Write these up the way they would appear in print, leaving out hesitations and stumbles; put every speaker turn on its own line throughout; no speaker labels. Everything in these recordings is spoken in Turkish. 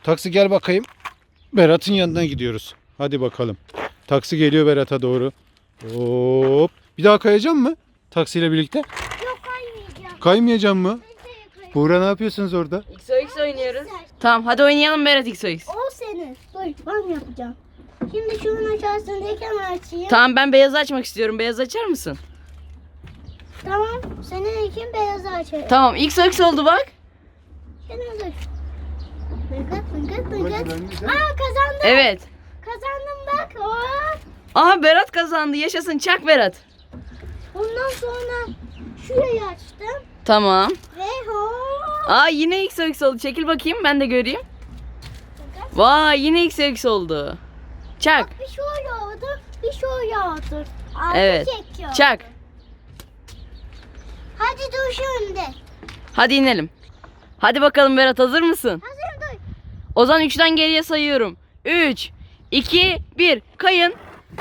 Taksi gel bakayım. Berat'ın yanına gidiyoruz. Hadi bakalım. Taksi geliyor Berat'a doğru. Hop. Bir daha kayacağım mı? Taksiyle birlikte.
Yok, kaymayacağım.
Kaymayacağım mı?
Kaymayacağım.
Buğra ne yapıyorsunuz orada?
XOX oynuyoruz. Tamam hadi oynayalım Berat XOX.
O senin. Dur, ben yapacağım. Şimdi şunun aşağısındayken açayım.
Tamam ben beyazı açmak istiyorum. Beyaz açar mısın?
Tamam. Senin için beyazı açayım.
Tamam XOX oldu bak.
Senin dur. Fıngıt fıngıt
Babacığım,
fıngıt.
ben de-
Kazandım.
Evet.
Kazandım bak. Hop.
Aha Berat kazandı. Yaşasın çak Berat.
Ondan sonra şurayı açtım.
Tamam.
Ve hop.
Aa yine XOX oldu. Çekil bakayım ben de göreyim. Vay yine XOX oldu. Çak.
Bir şöyle oldu. Bir şöyle oldu. Altı
Evet.
çekiyor.
Çak.
Hadi dur şimdi.
Hadi inelim. Hadi bakalım Berat hazır mısın?
Hazır dur.
O zaman 3'ten geriye sayıyorum. 3, 2, 1. Kayın.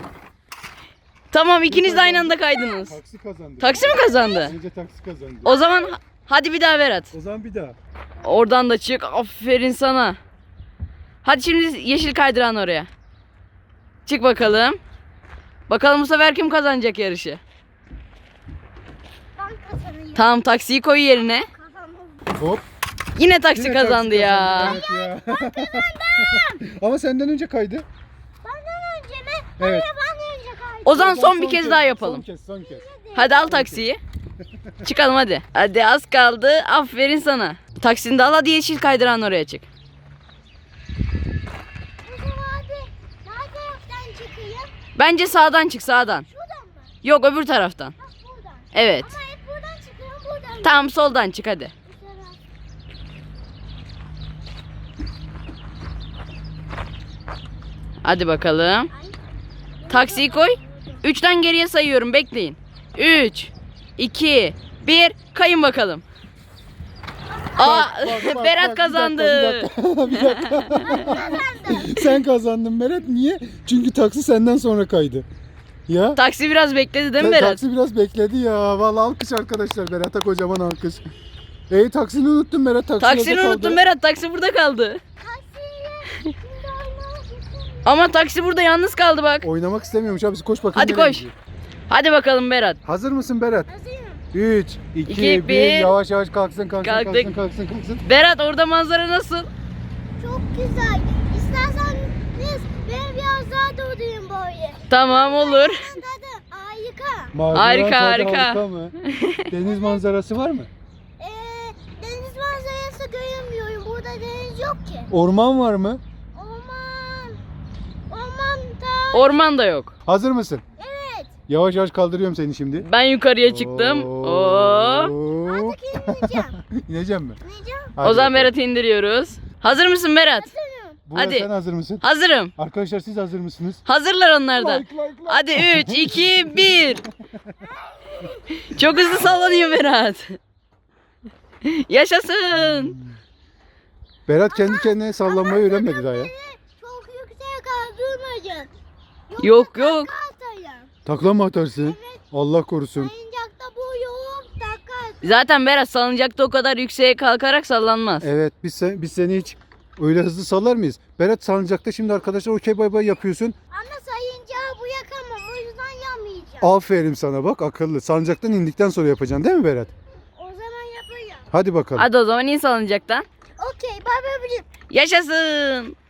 Tamam ikiniz de aynı anda kaydınız.
Taksi kazandı.
Taksi mi kazandı?
Önce taksi kazandı.
O zaman hadi bir daha Berat.
O zaman bir daha.
Oradan da çık. Aferin sana. Hadi şimdi yeşil kaydıran oraya. Çık bakalım. Bakalım bu sefer kim kazanacak yarışı?
Ben kazanayım.
Tamam taksiyi koy yerine.
Kazandım.
Hop.
Yine taksi
Yine
kazandı
taksi
ya.
kazandı, evet ya. Ama senden önce kaydı.
Benden önce mi?
Evet.
Hayır, benden önce kaydı.
O zaman son bir kez daha yapalım.
Son kez.
Hadi al taksiyi. Çıkalım hadi. Hadi az kaldı. Aferin sana. Taksini de al hadi yeşil kaydıran oraya çık.
O zaman hadi. Ne taraftan çıkayım?
Bence sağdan çık sağdan.
Şuradan mı?
Yok öbür taraftan.
Bak buradan.
Evet.
Ama hep buradan çıkıyorum, buradan.
Tamam soldan çık hadi.
Bu taraf.
Hadi bakalım.
Ay.
Taksiyi koy. 3'ten geriye sayıyorum bekleyin. 3, 2, 1 kayın bakalım. Aa
Bak,
Berat
bak,
kazandı.
Bir dakika. Sen kazandın Berat. Niye? Çünkü taksi senden sonra kaydı. Ya.
Taksi biraz bekledi değil mi Berat?
Taksi biraz bekledi ya. Vallahi alkış arkadaşlar. Berat'a kocaman alkış. Taksini unuttun Berat.
Taksini unuttum Berat. Taksi burada kaldı.
Taksiyle. Şimdi oynamak istemiyorum.
Ama taksi burada yalnız kaldı bak.
Oynamak istemiyormuş abi. Koş bakalım.
Hadi
nereye
koş.
gidiyor?
Hadi bakalım Berat.
Hazır mısın Berat?
Hazırım.
3, 2,
İki,
1.
bir.
Yavaş yavaş kalksın.
Kalktık.
Kalksın.
Berat orada manzara nasıl?
Çok güzel. İsterseniz ben biraz daha durayım böyle.
Tamam olur.
Tadı harika.
Manzara
Harika,
tadı
harika.
mı? Deniz manzarası var mı?
Deniz manzarası göremiyorum. Burada deniz yok ki.
Orman var mı?
Orman. Orman da.
Orman da yok.
Hazır mısın?
Evet.
Yavaş yavaş kaldırıyorum seni şimdi.
Ben yukarıya çıktım. Oo.
Hop.
Artık ineceğim.
İneceğim mi?
İneceğim.
Hadi
O zaman
bakalım.
Berat'ı indiriyoruz. Hazır mısın Berat?
Buğra,
hadi.
sen hazır mısın?
Hazırım.
Arkadaşlar siz hazır mısınız?
Hazırlar onlar da.
Like.
Hadi 3, 2, 1. Çok hızlı sallanıyor Berat. Yaşasın.
Berat kendi kendine sallanmayı öğrenmedi daha ya.
Çok yüksek kaldırmayın.
Yok.
Atayım.
Takla mı atarsın? Allah korusun.
Oyuncakta bu yok. Takar.
Zaten Berat salıncakta o kadar yükseğe kalkarak sallanmaz.
Evet biz seni hiç öyle hızlı sallar mıyız? Berat salıncakta şimdi arkadaşlar okey bay bay yapıyorsun.
Ama sayıncağı bu yakamam. O yüzden yamayacağım.
Aferin sana bak akıllı. Salıncaktan indikten sonra yapacaksın değil mi Berat?
O zaman yapacağım.
Hadi bakalım.
Hadi o zaman in salıncaktan.
Okey. Bye bye.
Yaşasın.